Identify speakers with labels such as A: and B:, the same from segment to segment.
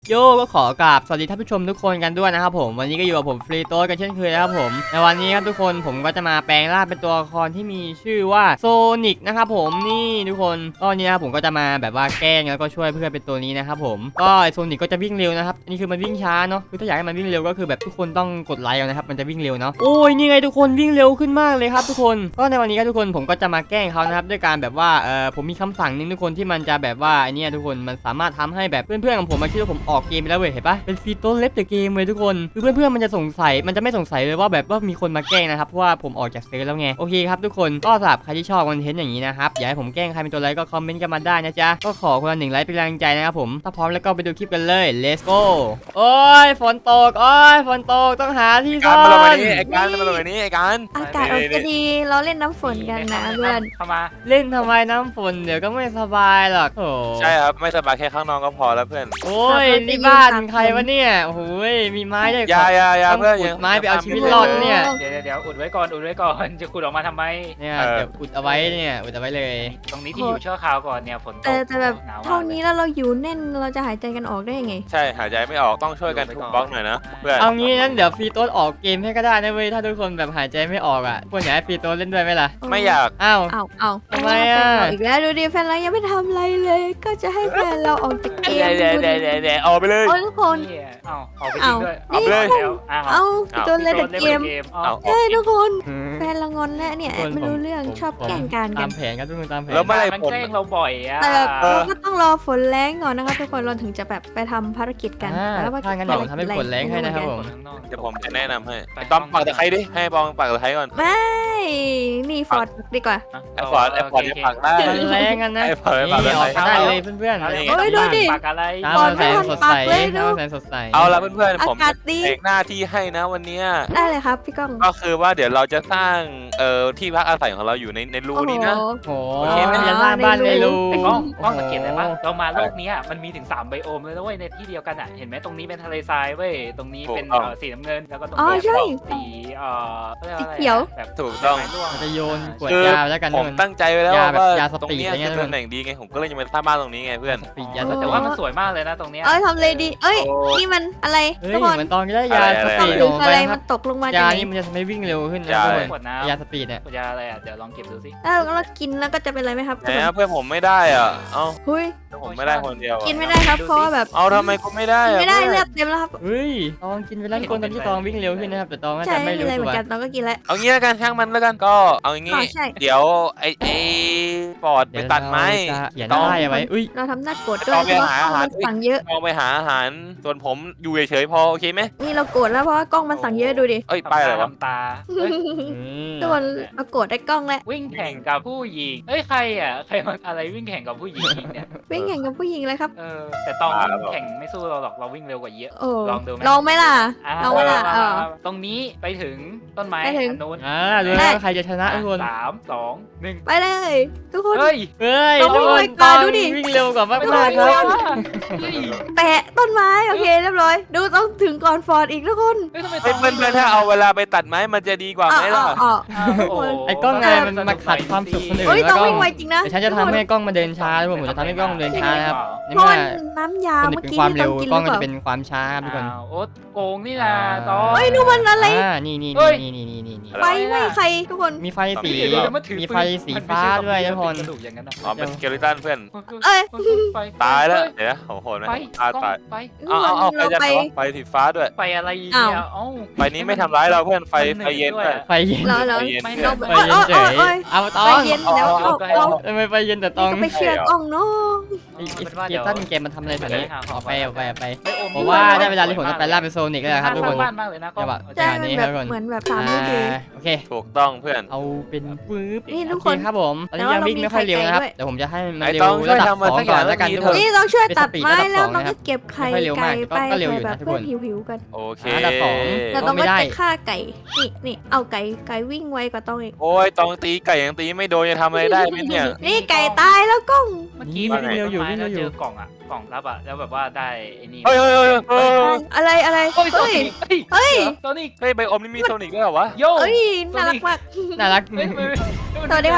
A: โยก็ขอกราบสวัสดีท่านผู้ชมทุกคนกันด้วยนะครับผมวันนี้ก็อยู่กับผมฟรีโต้กันเช่นเคยนะครับผมในวันนี้ครับทุกคนผมก็จะมาแปลงร่างเป็นตัวละครที่มีชื่อว่าโซนิกนะครับผมนี่ทุกคนตอนนี้นะครับผมก็จะมาแบบว่าแกล้งแล้วก็ช่วยเพื่อนเป็นตัวนี้นะครับผมก็ไอโซนิกก็จะวิ่งเร็วนะครับอันนี้คือมันวิ่งช้าเนาะคือถ้าอยากให้มันวิ่งเร็วก็คือแบบทุกคนต้องกดไลค์เอานะครับมันจะวิ่งเร็วเนาะโอ้ยนี่ไงทุกคนวิ่งเร็วขึ้นมากเลยครับทุกคนก็ในวันนี้ครับทุกคนผมก็จะมาแกล้งเขานะครับด้วยการแบบว่าผมมีคำสั่งนึงทุกคนที่มันจะแบบว่าไอเนี้ยทุกคนมันสามารถทำให้แบบเพื่อนๆของผมมาคิดว่าผมออกเกมไปแล้วเว้ยเห็นปะเป็นฟีโต้เล็บแต่เกมเลยทุกคนคือเพื่อนๆมันจะสงสัยมันจะไม่สงสัยเลยว่าแบบว่ามีคนมาแกล้งนะครับเพราะว่าผมออกจากเซิร์ฟแล้วไงโอเคครับทุกคนก็สำหรับใครที่ชอบคอนเทนต์อย่างนี้นะครับอยากให้ผมแกล้งใครเป็นตัวอะไรก็คอมเมนต์กันมาได้นะจ๊ะก็ขอคนละ1 ไลค์เป็นแรงใจนะครับผมถ้าพร้อมแล้วก็ไปดูคลิปกันเลย let's go โอ้ยฝนตกโอ้ยฝนตกต้องหาที่ซ่อน
B: มาลงไปนี้ไอ้การมาลงไปนี้ไอ้การ
C: อากาศจะดีเราเล่นน้ำฝนกันนะเพื่อน
D: เข้ามา
A: เล่นทำไมน้ำฝนเดี๋ยวก็ไม่สบายหรอกโอ้
B: ใช่ครับไม่สบายแค่ข้างนอกก็พอแล้วเพื่อน
A: โอ้ยนี่บ้านใครวะเนี่ยโอ้โหมีไม้ด้วย
B: ยา
A: ต้อง
B: เพื่อน
A: ขุดไม้ไปเอาชีวิตรอดเนี่ย
D: เดี๋ยวอุดไว้ก่อนจะขุดออกมาทำไม
A: เนี่ยเดี๋ยวอุดเอาไว้เนี่ยอุดเอาไว้เลย
D: ตรงนี้ที่อยู่ชั่วคราวก่อนเนี่ยฝนตก
C: แต่แบบ
D: หนาวมาก
C: เท่านี้แล้วเราอยู่แน่นเราจะหายใจกันออกได้ยังไง
B: ใช่หายใจไม่ออกต้องช่วยกันทุบบล็อกหน่อยนะเพื่อน
A: เอางี้นั้นเดี๋ยวฟรีโต้ออกเกมให้ก็ได้นะเว้ยถ้าทุกคนแบบหายใจไม่ออกอ่ะควรอยากให้ฟรีโต้เล่นด้วยไหมล่ะ
B: ไม่อยาก
A: อ้าว
C: เอา
A: ทำไมอะ
C: แฟนเราอีกแล้วดูดิแฟนเรายังไม่ทำอะไรเลย ก็จะให้แฟนเราออกจากเกม
B: เดี๋ยวออกไปเลย
C: โอ้ยทุกคน
D: นี่เอาออกไปจริงด้วย
B: เอาไปเลย
D: แล้วเอา
C: เอาโดนเลยแต่เกม
D: เอา
B: เอา
C: ใช่ทุกคน
A: อืม
C: แฟนเรางอนแล้วเนี่ย
A: ทุกคน
C: ไม่รู้เรื่อง
A: ผม
C: ชอบแกล้งกัน
A: ตามแผนครับทุกคนตามแผน
B: แล้วเมื่อไหร่
D: มัน
B: ผม
D: แกล้งเราบ่อยอ่ะ
C: แต่แบบเราก็ต้องรอฝนแรงก่อนนะครับทุกคนเราถึงจะแบบไปทำภารกิจกัน
A: อ่า
C: แล้วว่า
A: ถ้างั้นเดี๋ยวผมทำให้ฝนแรงให้นะครับผม
D: ข้างนอก
B: เดี๋ยวผมจะแนะนำให้ต้อมปักตะไคร้ดิให้บองปักตะไคร้ก่อน
C: ไม่นี่ฟอร์ดดีกว่า
B: ไอ้ฟอร์ดจะปักได้
A: มันแรงกันนะ
B: ไอ้ฟอร์ด
A: นี่
B: ไม่ปัก
A: ออกได้เลยเพื่อนๆ
D: อะไร
C: โอ้ยดูดิ
D: ปากอะไร
A: ตาม
C: ก่อน
A: มาแสงสดใส
C: ไม่ทันปักเลยดู
A: ตามมาแสงสดใส
B: เอาละเพื่อนๆผม
C: อากาศดี
B: เอกหน้าที่ให้นะวันนี้
C: ได้เลยครับพี่ก้อง
B: ก็คือว่าเดี๋ยวเราจะสร้างที่พักอาศัยของเราอยู่ในรูนี้นะ
C: โอ้โห
A: โอ้
B: โอเคไหม
A: จะสร้างบ้านในรู
D: ไอ้กล้องสังเกตได้ปะเรามาโลกนี้มันมีถึง3ไบโอมเลยนะเว้ยในที่เดียวกันอ่ะเห็นไหมตรงนี้เป็นทะเลทรายเว้ยตรงนี้เป็นสีน้ำเงินแล้วก็ตรง
C: อ๋อ
D: นี้
C: ใช่
D: สีรีกอะไร
C: สีเขียว
D: แบบ
B: ถูกต้อง
D: ไม้ร่วง
A: มันจะโยนขวด
B: คือ
A: ยาไปแล้วกัน
B: ผ
A: ทุก
B: ม
A: คน
B: ตั้งใจไว้แล้ว
A: ยาแบบ
B: ว่าย
A: าส
B: ตรง
A: ปีด
B: เนี้ย
A: อะไรเงี้ย
B: คือตำแหน่งดีไงผมก็เลยจะมาสร้างบ้านตรงนี้ไงเพื่อน
A: ปีดยาส
D: แต่
A: ปีด
D: ว่ามันสวยมากเลยนะตรงเนี้ย
C: ทำเลยดี เอ้ย นี่มันอะไร
A: เฮ้ย
C: ทุกคน
A: เหมือนตอนที่ได้ยาส
B: อะไร
A: ปีด
C: หรือ
A: ของ
C: อะ
A: ไป
C: ไร
A: ค
C: มั
A: รับ
C: นตกลงมาจาก
A: ยา
C: ไหน
A: นี่มันจะทำให้วิ่งเร็วขึ้นนะ
B: ยา
A: ทุกคน
D: ขวดน้
A: ยาสปีดเนี่ย
D: ำยาอะไรอ่ะเดี๋ยวลองเก็บดูสิ
C: แล้วเรากินแล้วก็จะเป็นอะไรไหมครับ
B: แหมเพื่อนผมไม่ได้อ่ะเอ้า
C: หุย
B: ผมไม่ได้คนเดียว
C: กินไม่ได้ครับเพราะว่าแบบ
B: เอาทำไมกูไม่ได้
C: กิน
B: อ่ะ
C: ไม่ได้
B: พื่น
C: เลือดเต็มแล้วครับ
A: เฮ้ยตองกินไปแล้วทุกคนตอนที่ตองวิ่งเร็วขึ้นนะครับแต่ตองก็
C: ใช่
A: จะ
C: ไม่
A: ไม่
C: มี
A: รู้
C: อะไรเห
A: ตั
C: มือ
A: วน
C: กันเราก็กินแล้ว
B: เอางี้แล้วกันช่างมันแล้วกันก็เอาอย่างงี้
C: อ๋อใช่
B: เดี๋ยวไอ้ปอดไป
A: เดี๋ยว
B: ตัดไม้
A: เราจะเขียน
B: ต้อง
A: ได้เอาไว้อุ้ย
C: เราทำหน้าโกรธด้ว
B: ต้
C: ย
B: อง
C: เพ
B: ไป
C: ราะว่า
B: หาก
C: ล้อง
B: อาหาร
C: มันสั่งเยอะ
B: ลองไปหาอาหารส่วนผมอยู่เฉยๆพอโอเคไหม
C: นี่เราโกรธแล้วเพราะว่ากล้องมันสั่งเยอะดูดิ
B: เอ้ยไปอะไรวะ
D: ทำตาเฮ้ย
C: ทุกคนเราโกรธได้กล้องแล้ว
D: วิ่งแข่งกับผู้หญิงเอ้ยใครอ่ะใครมาอะไรวิ่งแข่งกับผู้หญิงเนี่ย
C: วิ่งแข่งกับผู้หญิงเลยครับ
D: แต่ตองแข่งไม่สู้เราหรอกเราวิ่งเร็วกว่าเยอะ
C: โอ้
D: ลองดูไหม
C: ลองไหมล่ะ
D: อ่ะ
C: ลองไหมล่ะ
D: มา
C: เออ
D: ตรงนี้ไปถึงต้นไม้
C: ไปถึง
D: อันนู้น
A: รู้แล้วว่าใครจะชนะทุกคน
D: 3 2 1
C: ไปเลย ทุกคน
D: เฮ้ย
A: เฮ้ย
C: ต้อง
A: ทุกคน
C: วิ่งไป
A: ตอง
C: ดูดิ
A: วิ่งเร็วกว่า
D: ไม่
A: มาก
D: ได้
A: ๆครับ
D: เฮ้ย
C: แปะต้นไม้โอเคเรียบร้อย ดูต้องถึงก่อนฟอร์ดอีกทุกคน
D: เฮ้ยทำไม
B: เฮ้ยเพื่อนๆถ้าเอาเวลาไปตัดไม้มันจะดีกว่าไหมล่ะ
C: อ๋อ
D: อ้าวโโห
A: ไอ้กล้องไงมันมาขัดความสุขคนอื่น
C: เฮ้ย
A: แล้ว
C: ต้อง
A: ก็
C: วิ่งไวจริงนะ
A: เดี๋ยวฉันจะทำให้กล้องมาเดินช้าทุกคนผมจะทำให้กล้องเดินช้านะครับใน
C: เพราะ
A: เมื่
C: ว่า
A: อ
C: น้ำยา
A: คน
C: เมื่อ
A: เป็น
C: กี้
A: ความ
C: ที่
A: เร็
C: ต้
A: ว
C: องกินห
A: กล้
C: รือ อง เป
A: ก็
C: ล่า
A: จะเป็นความช้าครับทุกคน
D: อ้าวโอ๊ตโกงนี่นะตอง
C: เฮ้ยนู่นมันอะไร
A: นี่
D: เฮ้ย
A: นี่
C: ไฟไหม้ใครทุกคน
A: มีไฟสี
D: เดี๋ยวมาถือ
A: มีไฟสีฟ้าด้วยทุกคน
D: กระดูกอย่างนั้นนะ
B: อ๋อเป็นสเกลิตันเพื่อน
C: เอ้ย
D: ไป
B: ตายแล้ว
D: เฮ้
B: เดี๋ยวนะโหดไหม
D: ไป
B: ตายตาย
D: ไป
B: เอาไฟ
C: เรา
B: จะ
C: ไป
B: ไฟสีฟ้าด้วย
D: ไปอะไรเนี่ยเอ้า
B: ไฟนี้ไม่ทำร้ายเราเพื่อนไฟเย็นด้วย
A: ไฟเย็น
C: เรา
B: ไฟเย็น
D: ไม่
B: เพื่อน
A: ไฟเย็นเฉยเอาตอ
C: ไป
A: ง
C: เย็นแล้วเอา
A: ทำไมไฟเย็นแต่ตอง
C: ก็ไปเชื่อกล้องเนาะ
A: ไอ้เกตันเกมมันทำอะไรแถวนี้เอาไป
D: โอ้
A: ผมว่าได้เวลาที่ผมจะไปล่าเป็นโซนิกแล้วครับทุกคน
D: บ้านมากเลยนะก็
A: จังหวะ
C: ใช่
A: นี้
C: มัน
A: ค
C: แบ
A: รับบ ทุกคน
C: เหมือนแบบ3 D
A: โอเค
B: ถูกต้องเพื่อน
A: เอาเป็นปึ๊บ
C: นี่ทุกคน
A: ครับผมตอนนี้ยังวิ่งไม่ค่อยเร็วนะครับแต่ผมจะให้มัน
B: ไอ้
A: เร็ว
B: ต้องช่วย
A: ระดับ
B: ทำมา
A: 2
B: สักอ
A: ก่อย่าง น
B: แล้
A: แล้ว วกัน
B: ดี
A: ทุก
B: เถ
A: คน
B: อะ
C: นี่เราช่วยตัดไม้
A: เป็นสปีดระดับ
C: แล้ว
A: 2
C: เรา
A: นะครั
C: ก็
A: บ
C: เก็บไข่
A: ไม่ค่อยเร็ว
C: ไก่
A: มาก
C: ไป
A: ก็เร็วอยู่
C: แบ
A: นะ
C: บ
A: ทุก
C: เพื่
A: ค
C: อน นหิวกัน
B: โอเค
A: อันดับ 2
C: เราต้อง
A: ไม่
C: ไป
A: ได้
C: ฆ่าไก่นี่เอาไก่วิ่งไวกว่าต้องอีก
B: โอ้ยต้องตีไก่ยังตีไม่โดนจะทำอะไรได้ไหมเนี่ย
C: นี่ไก่ตายแล้วกล้อง
D: เมื่อกี้
A: วิ่งเร็วอยู่วิ่งเร็วอยู่
D: เจอกล่องอ่ะกล่องรับอ่ะแล้วแบบว่าได้ไอ้นี่
B: เฮ้ยเฮ้ยเฮ้ยเฮ้ย
C: อะไร
D: โอ้ยโซ
C: เฮ้ย
D: นิก
C: เฮ้ย
D: โซนิก
B: เฮ้ยไบโอมนี่มีโซนิกด้วยเหรอวะ
D: โย่
C: เอ้ยน่ารักมาก
A: น่ารัก
D: เฮ้ย
C: สวัสดีครับ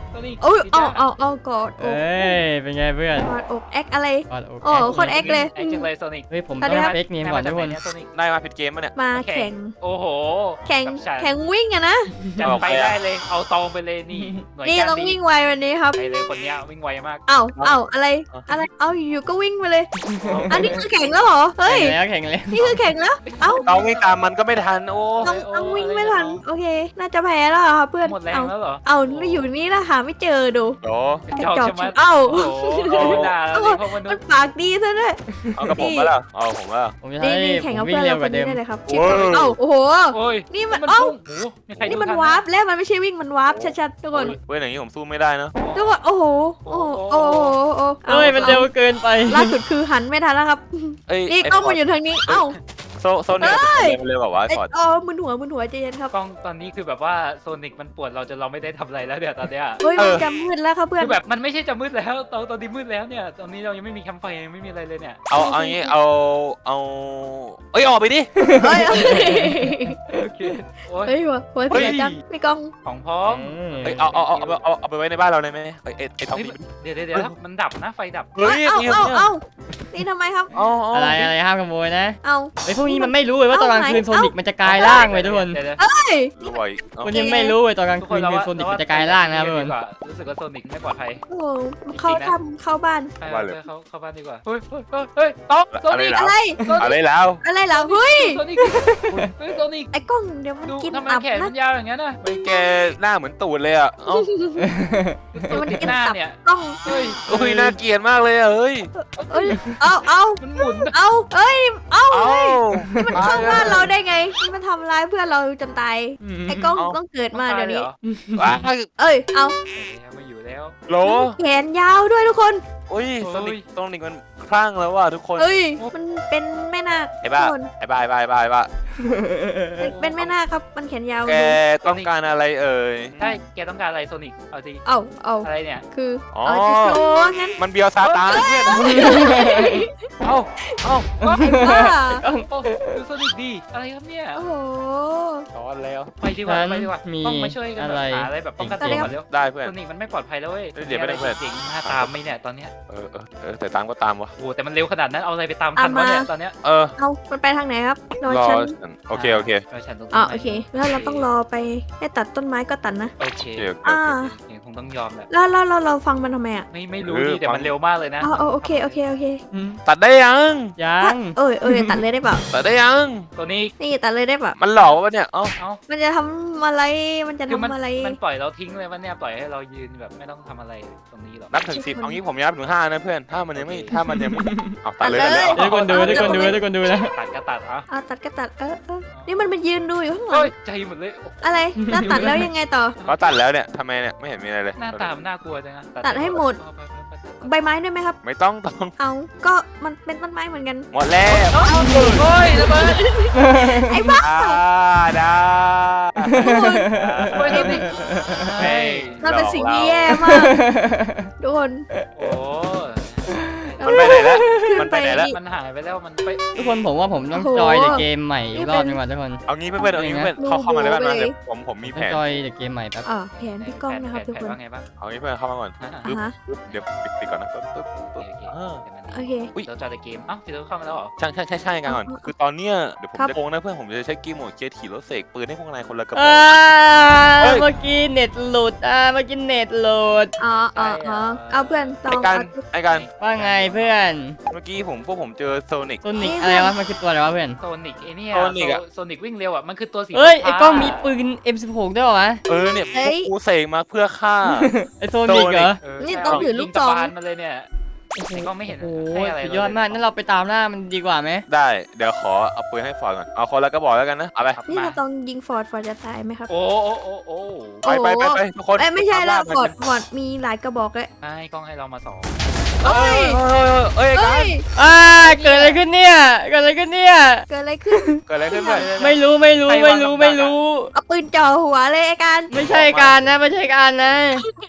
D: โซนิก
C: โอ้ยเอากอดอก
A: เอ้ยเป็นไงเพื่อน
C: กอดอกแอคอะไร
A: กอดอก
C: โอ้โคตรแอคเลย
D: แอคจังเลยโซนิก
A: เฮ้ยผม
C: สวั
A: ต้
C: สดี
A: อง
C: ครับ
A: เฟกเนมก่อนทุกคน
D: โซนิก
B: ได้มาผิดเกมมาเนี่ย
C: มาแข่ง
D: โอ้โห
C: แข่ง
D: กับฉัน
C: แข่งวิ่งอะนะ
D: จัดไปได้เลยเอาตองไปเลยนี่หน่วย
C: นี่
D: การ
C: ต้อง
D: ดี
C: วิ่งไววันนี้ครับ
D: ไปเลยคนเนี้ยวิ่งไวมาก
C: เอาอะไรเอาอยู่ก็วิ่งไปเลย อันนี้คือแข่งแล้วเหรอเฮ้ย
A: แข่งแล้ว
C: นี่คือแข่งแล้วเอ้า
B: เราไม่ตามมันก็ไม่ทันโอ้
C: ต้องวิ่งไม่ทันโอเค น่าจะแพ้แล้วอะครับเพื่อน
D: หมดแรงแล้วเหรอ
C: เอาแล้วอยู่นี่แล้วหาไม่เจอดู
B: โห
D: จอกใช่ไหม
C: เอ้า
D: โอ้โหเอาเวลาแล้วนี่พวกมนุ
C: มั
D: ษ
C: น
D: ย์
C: ปากดีซะด้วย
B: เอากับผมมาแล้วเอาผมมาแล้ว
A: ผมจะ
C: นี่
A: ให้
C: นี่แข่ง
A: ผ
C: กับ
A: มวิ่
C: เพื่
A: ง
C: อน
A: เร็
C: เรา
A: ว
C: ค
A: ก
C: น
A: ว่าเดิม
C: นี้ได้เลยครับ
B: โอ้ย
C: เอ้าโอ้โห
D: โอ้ย
C: นี่มัน
D: พุ่
C: เอ้า
D: งโอ้โหมีใคร
C: นี่
D: ดู
C: มัน
D: ทั
C: วาร์ปแล้วมันไม่ใช่วิ่งมันวาร์ปชัดๆทุกคน
B: เว้ยอย่างนี้ผมสู้ไม่ได้นะ
C: ทุกคนโอ้โหโอ้โหโอ้โหโอ้โห
A: เฮ้ยมันเร็วเกินไป
C: ล่าสุดคือหันไม่ทันแล้วครับ
B: เอ้ย
C: นี่กล้องมันอยู่ทางนี้เอ้า
B: โซนเนี่ยมันเลยแบบว่า
C: ไอ้
B: ฟอร์ด
C: อ๋อมึนหัวใจเย็นครับ
D: กล้องตอนนี้คือแบบว่าโซนิกมันปวดเราจนเราไม่ได้ทำอะไรแล้วเดี๋ยวตอนเนี้ย
C: เฮ้ยมันจะมืดแล้วครับเพื่อน
D: คือแบบมันไม่ใช่จะมืดแล้วตอนนี้มืดแล้วเนี่ยตอนนี้เรายังไม่มีแคมป์ไฟยังไม่มีอะไรเลยเนี่ย
B: เอางี้เอาเอ้ยออกไปดิ
C: เฮ้ย
D: โอเคโอ้ย
C: เฮ้ยหัวเสียจังพี่กล้อง
D: ของพร้อม
B: เอ้ยเอาไปไว้ในบ้านเราเลยไหมไอ้ทอง
D: เฮ้ย
B: ดี
D: เดี๋ยวมันดับนะไฟดับ
B: เฮ้ย
C: เอ้า
B: นี่
C: นี่ทำไมครับ
A: อะไรห้ามขโมยนะ
C: เอา
A: ไอ้พวกนี้มันไม่รู้เลยว่าตอนกลางคืน
C: เอ้า
A: โซนิกมันจะกลายร่างเลยทุกคน
D: เดี๋ยว
C: เฮ้ย
B: รวย
A: คนยังไม่รู้เลยตอนกลาง
D: ทุก
A: คื
D: คน
A: นคือโซนิกมันจะกลายร่างนะครับทุกคน
D: รู้สึกว่าโซนิกไม่ปลอดภัย
C: โอ้โหเข้าทำเข้าบ้าน
D: ไปเข้าบ้านดีกว่าเฮ้ยต๊อกโซนิก
C: อะไร
B: อะไรแล้ว
C: อะไรเหรอเฮ้ย
D: โซนิกเฮ้ยโซนิก
C: ไอ้กล้องเดี๋ยวมัน
D: ดู
C: กิน
D: ทำไม
C: ตับ
D: แขน
C: นะ
D: มันยาวอย่างนั้นน่ะ
B: ไม่แกหน้าเหมือนตูดเลยอ่ะ
C: เดี๋ยวมัน
D: ติด
C: กิน
D: หน้า
C: ตับ
D: เนี่ย
C: กล้อง
D: เฮ้ย
B: โอ้ยน่าเกลียดมากเลยอ่ะเฮ้ย
C: เอ้ยเอา
D: มันหมุน
C: เอาเอ้ยเอา
B: เอ้า
C: นี่มันเข้าบ้านเราได้ไงนี่มันทำร้ายเพื่อนเราจนตายไอ้กล้องต้องเกิดมาเดี๋ยวนี้
B: ว้า
C: เอ้ยเอา
D: ไม่อยู่แล้ว
B: โหล
C: แขนยาวด้วยทุกคน
B: โอ้ยโซนิกมันคลั่งแล้วว่ะทุกคน
C: เฮ้ยมันเป็นแม่นาค
B: ไอ้บ้า
C: ทุกคน
B: ไอ้บ้า
C: เป็นแม่นาคครับมันแขนยาว
B: แกต้องการอะไรเอ่ย
D: ใช่แกต้องการอะไรโซนิกเอาสิ
C: เอา
D: อะไรเนี่ย
C: คือ
B: อ๋อ
C: เอาจะโชว์งั้น
B: มันเบียวซาตานเพื่อนเอ้า
C: ว่า
D: โอ้ดูโซนิกดีอะไรครับเนี่ย
C: โอ้โห
B: ช้อนแล้ว
D: ไปดีกว่าต้องมาช่วยกันแบบหาอะไรแบบป้องกันตัวก่อนเร็ว
B: ได้เพื่อน
D: โซนิกมันไม่ปลอดภัยแล้วเว้ย
B: เดี๋ยวไม่ได้เพื่อน
D: จริงหน้าตามไม่เนี่ยตอนเนี้ย
B: แต่ตามก็ตามวะ
D: โอ้แต่มันเร็วขนาดนั้นเอาอะไรไปตามทันวะเนี่ยตอนเนี้ย
B: เออ
C: เอามันไปทางไหนครับรอ
B: รอ
C: ฉัน
B: โอเค
D: ฉันตรง
C: อ๋อโอเค แล้วเราต้องรอไปให้ตัดต้นไม้ก็ตัดนะ
D: โอเค
C: อ่า
D: คงต้องยอมแหละ
C: แล้วเราฟังมันทำไมอ่ะ
D: ไม่รู้ดิแต่มันเร็วมากเลยนะ
C: อ๋อโอเค
B: ตัดได้ยัง
A: ยัง
C: เอ้ยตัดเลยได้เปล่า
B: ตัดได้ยัง
D: ตัวนี้
C: นี่ตัดเลยได้เปล่า
B: มันหลอกวะเนี่ยเอ้า
D: เอ้า
C: มันจะทำอะไรมันจะ
D: คือ
C: ทำอะไร
D: มันปล่อยเราทิ้งเลยวันเนี้ยปล่อยให้เรายืนแบบไม่ต้องทำอะไรตรงนี้หรอก
B: นับถึง10เอางี้ผมนับถึง5นะเพื่อนถ้ามันยังไม่เอาตัดเลย
A: ทุกคนดูนะ
D: ตัดก็ตัดอ่ะ
C: เอาตัดก็ตัดนี่มันยืนดูอยู่ข้างหลั
D: เฮ้
C: ง
D: ยใจหมดเลย
C: อะไรน่าตัดแล้วยังไงต่อ
B: เขาตัดแล้วเนี่ยทำไมเนี่ยไม่เห็นมีอะไรเลย
D: หน้าตามันน่ากลัวจังนะ
C: ตัดให้หมด ใบไม้ด้วยไหมครับ
B: ไม่ต้อง
C: เอาก็มันเป็นต้นไม้เหมือนกัน
B: หมดแล้ว
D: โอ้ยระเบิด
C: ไอ้บ้า
B: ได้
D: โอ้ยตัวนี้
C: มันเป็นสิ่งที่แย่มากทุกคน
D: โอ้
B: มันไปไหนแล้ว
C: ขึ้
B: มันไปไหนแล้ว
D: มันหายไปแล้วมันไป
A: ทุกคนผมว่าผมต้องจอยเดอะเกมใหม่อีกรอบนึงว่ะทุกคน
B: เอางี้เพื่อนเอางี้เพื่อนเข้ามาในบ้านมาเดี๋ยวผมมีแผ
A: ต้อง
B: น
A: จอยเดอะเกมใหม่แป๊บ
C: แผนพี่ก้องนะครับทุกคน
D: ว่าไงบ้าง
B: เอางี้เพื่อนเข้ามาก่อน
C: อ่ะฮะ
B: เดี๋ยวปิดก่อนนะปึ๊บ
C: โอเค
D: เราจอดเกมอ้าวฟิลเข้ามาแล้วเหรอ
B: ใช่กันก่อนคือตอนเนี้ยเดี๋ยวผมจะโกงนะเพื่อนผมจะใช้กีโหมดเกียร์ถีรถเสกปืนให้พวกนายคนละกระบอก
A: เมื่อกี้เน็ตหลุดเมื่อกี้เน็ตหลุด
C: เอาเพื่อนลอง
B: ไอ้กัน
A: ว่าไงเพื่อน
B: เมื่อกี้พวกผมเจอโซนิก
A: โซนิกอะไรวะมันคือตัวอะไรวะเพื่อน
D: โซนิกไอเนี่ย
B: โซนิกอะ
D: โซนิกวิ่งเร็วอ่ะมันคือตัวสี
A: เอ้ยไอ้กล้องมีปืน M16 ด้วยวะ
B: เนี่ยพวกกูเสกมาเพื่อฆ่า
A: ไอ้โซนิกเหรอ
C: นี่ต้องถือลูกซอง
D: มาเลยเนี่ยไอ้กล้องไม่เห็น
A: โอ้
D: ให้อะไร
A: สุดยอดมากนั่นเราไปตามล่ามันดีกว่าไหม
B: ได้เดี๋ยวขอเอาปืนให้ฟอร์ดก่อนเอาคนละกระบอกแล้วกันนะเอาไป
C: นี่เราต้องยิงฟอร์ดจะตายไหมครับ
D: โอ้
B: ไปทุกคน
C: ไม่ใช่แล้วฟอร์ดมีหลายกระบอกเลย
D: ไม่กล้องให้เรามาสอง
C: เอ้ย
B: เอ้ย
C: เอ้ย
A: เกิดอะไรขึ้นเนี่ยเกิดอะไรขึ้นเนี่ย
C: เกิดอะไรขึ้น
B: เกิดอะไรขึ้นเพื่อน
A: ไม่รู้
C: เอาปืนจ่อหัวเลยไอ้การ
A: ไม่ใช่การนะไม่ใช่การนะ
C: ท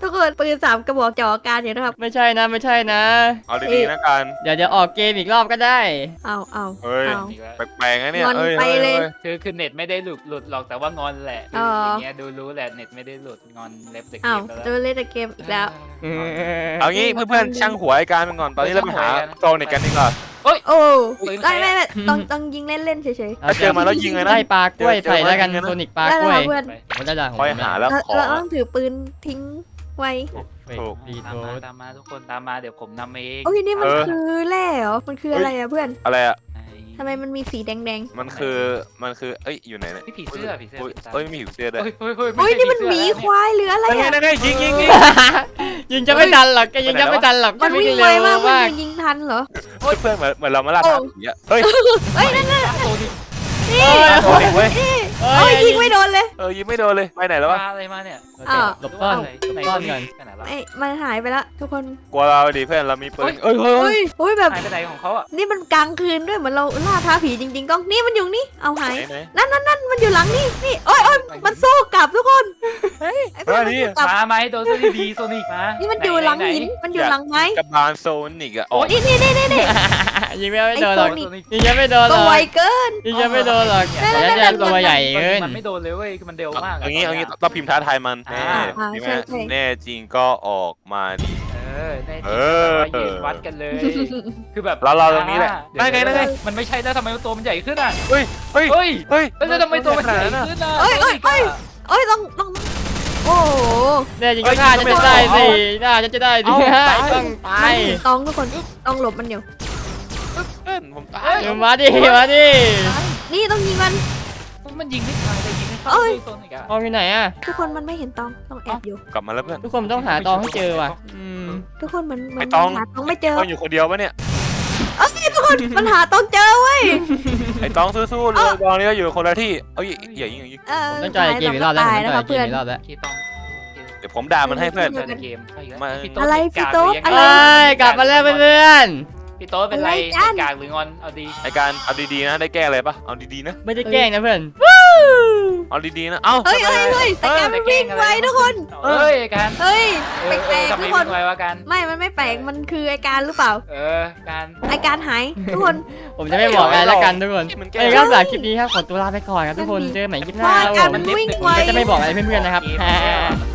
C: ทุกคนปืน3 กระบอกจ่อกันอยู่นะครับ
A: ไม่ใช่นะไม่ใช่นะ
B: เอาดีๆนะกัน
A: เดี๋ยวออกเกมอีกรอบก็ได้
C: เอา
B: เฮ้ย
D: อีกแล้ว
B: แปลกๆนะเนี่ย
C: งอน
B: เอ้ย
C: ไปเลย
D: คือเน็ตไม่ได้หลุดหรอกแต่ว่างอนแหละ
C: อ๋ออ
D: อย่างเงี้ยดูรู้แหละเน็ตไม่ได้หลุดงอนเล็บเด็ก
C: เอา
D: ไป
C: จะเล่นแต่เกมอีกแล้ว
B: เอางี้เพื่อนๆช่างหัวไอ้การมันก่อนตอนนี้เราไปหาโซนิกกันดีกว่า
C: โอ้ไม่ต้องยิงเล่นเฉย
B: ถ้าเจอมาแล้วยิงเลยนะ
A: ได้ปลากล้วยใส่แล้วกัน
B: เจอมา
A: โซนิกปลา
C: ๆได้
A: ก
C: แล้
A: ล้ว วย
C: เพื่อน
A: ผมได้ด่าของ
B: คอย
A: ผม
B: หาแล้วขอ
C: เราต้องถือปืนทิ้งไว้
B: ถูก
A: ดี
D: ตา
A: โท
D: มมา
A: ษ
D: ตามมาทุกคนตามมาเดี๋ยวผมนำเอง
C: โอ้ยนี่มัน
B: เออ
C: คือแร่เหรอมันคืออะไรอะเพื่อน
B: อะไรอ่ะ
C: ทำไมมันมีสีแดง
B: มันคือ เอ้ย อยู่ไหนเนี่ย
D: ผีเสื้อ
B: เอ้ยมีผีเสื้อด้วย
C: ๆโอ้ยนี่มันหมีควายหรืออะไร
B: นั่นไง
C: อะ
B: นั่นไงยิง
A: ยิงจะไม่ทันหรอกแกยิงจะไม่ทันหรอก
C: มันวิ่ง
A: เร็
C: ไว
A: ว
C: มากเพื่อ
A: มาน ก
C: ยิงทันเหรอ
B: เพื่อนเหมือนเรามาล่าท้าผีอ่ะเฮ้ย
C: เฮ้ยนั่นน่ะ
A: เอ้ย
B: โซนิกเว้ย
A: เอ้
C: เอ้ยยิงไม่โดนเลย
B: ยิงไม่โดนเลยไปไหนแล้ววะ
D: มาอะไรมาเนี่ย
C: อ้าว
A: หลบซ่อนหลบซ่อนก่อน
D: ไปไหนละ
C: ไอ้มันหายไปละทุกคน
B: กลัวเราดิเพื่อนเรามีปืนเอ้ย
C: โอ้ยแบบ
D: หายไปไหนของเขาอ่ะ
C: นี่มันกลางคืนด้วยเหมือนเราล่าท้าผีจริงๆก้องนี่มันอยู่นี่เอาหาย
B: ไหน
C: นั่นมันอยู่หลังนี่โอ้ยมันสู้กลับทุกคนไอ้เพื่อนมันสู้กลับ
D: มาไหมโดนโซนิดีโซนิกมา
C: นี่มันอยู่หลังหินมันอยู่หลังไม้
B: กับบานโซนิกอ่ะออก
C: นี่
A: ยิงไม่โดนหรอก
C: ไอ้โซนิก
A: ยิงจะไม่โดนหร
C: ตัว
A: อก
C: ไวเกิน
A: ยิงจะไม่โดนหรอก
C: นั่น
A: แต่จะตัวใหญ่เกิน
D: มันไม่โดนเลยเว้ยคือมันเร็วมาก
B: เอางี้เราพิมพ์ท้าทายมันแน่จริงก็ออกมาดิ
D: แน่จ
B: เอ
D: ริง
B: อ
D: ยืนวัดกันเลย คือแบบ
B: เราตรงนี้แหละนั่นไง
D: มันไม่ใช่แล้วทำไมตัวมันใหญ่ขึ้นอ่ะ
B: เฮ้ย
D: แล้วทำไมตัวมันใหญ่ขึ้นอ่ะ
C: โอ้ยต้องโอ้โห
A: เนี่ยยิงก็น่าจะได้สิน่าจะได้สิต้องตา
C: มัน
A: ย
C: เห็นตองทุกคนต้องหลบมันอยู่
B: เพื่อนผมตาย
A: มาดิ
C: นี่ต้องยิงมัน
D: มันยิงไม่ตายเลยยิงไม่เข้า
C: เอ้ย
D: โซนิกอ่ะ
A: ตองอยู่ไหนอะ
C: ทุกคนมันไม่เห็นตองต้องแอบอยู่
B: กลับมาแล้วเพื่อน
A: ทุกคนต้องหาตองให้เจอว่ะ
C: ทุกคนมัน
B: ไอ้ตอง
C: หาตองไม่เจอ
B: ต้องอยู่คนเดียวปะเนี่ย
C: ทุกคนมันหาตองเจอเว้ย
B: ไอ้ต้องสู้ๆเลยตอนนี้ก็อยู่คนละที่เอ้ยอย่ายิง
A: ผมต้องจ่ายเกมอีกรอบแล้วผมต้องจ่ายเกมอีกรอบแล้ว
D: คีต้อง
B: เดี๋ยวผมด่ามันให้เพื่อน
D: ในเกม
C: อะไรพี่โต๊ะ
A: เอ้ยกลับมาแล้วเพื่อน
D: พี่โต๊ะเป็นไรกากหรืองอนเอาดี
B: ไอ้การเอาดีๆนะได้แก้อะไรปะเอาดีๆนะ
A: ไม่ได้แกล้งนะเพื่อน
B: เอาดีๆนะเอ้า
C: เฮ้ยแต่แกมันวิ่งไวทุกคน
D: เฮ้ยการ
C: เฮ้ยแปลก
D: ทำ
C: ๆ
D: ไม
C: ทุกค
D: วิ่
C: น
D: งไววะกัน
C: มันไม่แปลกมันคือไอการหรือเปล่า
D: การ
C: ไอการหายทุกคน
A: ผมจะไม่บอกอะไรแล้วกันทุกคน
B: มันแก้
A: เอ้ยครับหลังคลิปนี้ครับขอตัวลาไปก่อนครับทุกคนเจอกันใหม่คลิปหน้าครับผม
C: มันวิ่งไว
A: ก็จะไม่บอกอะไรเพื่อนๆนะครับ
D: มัน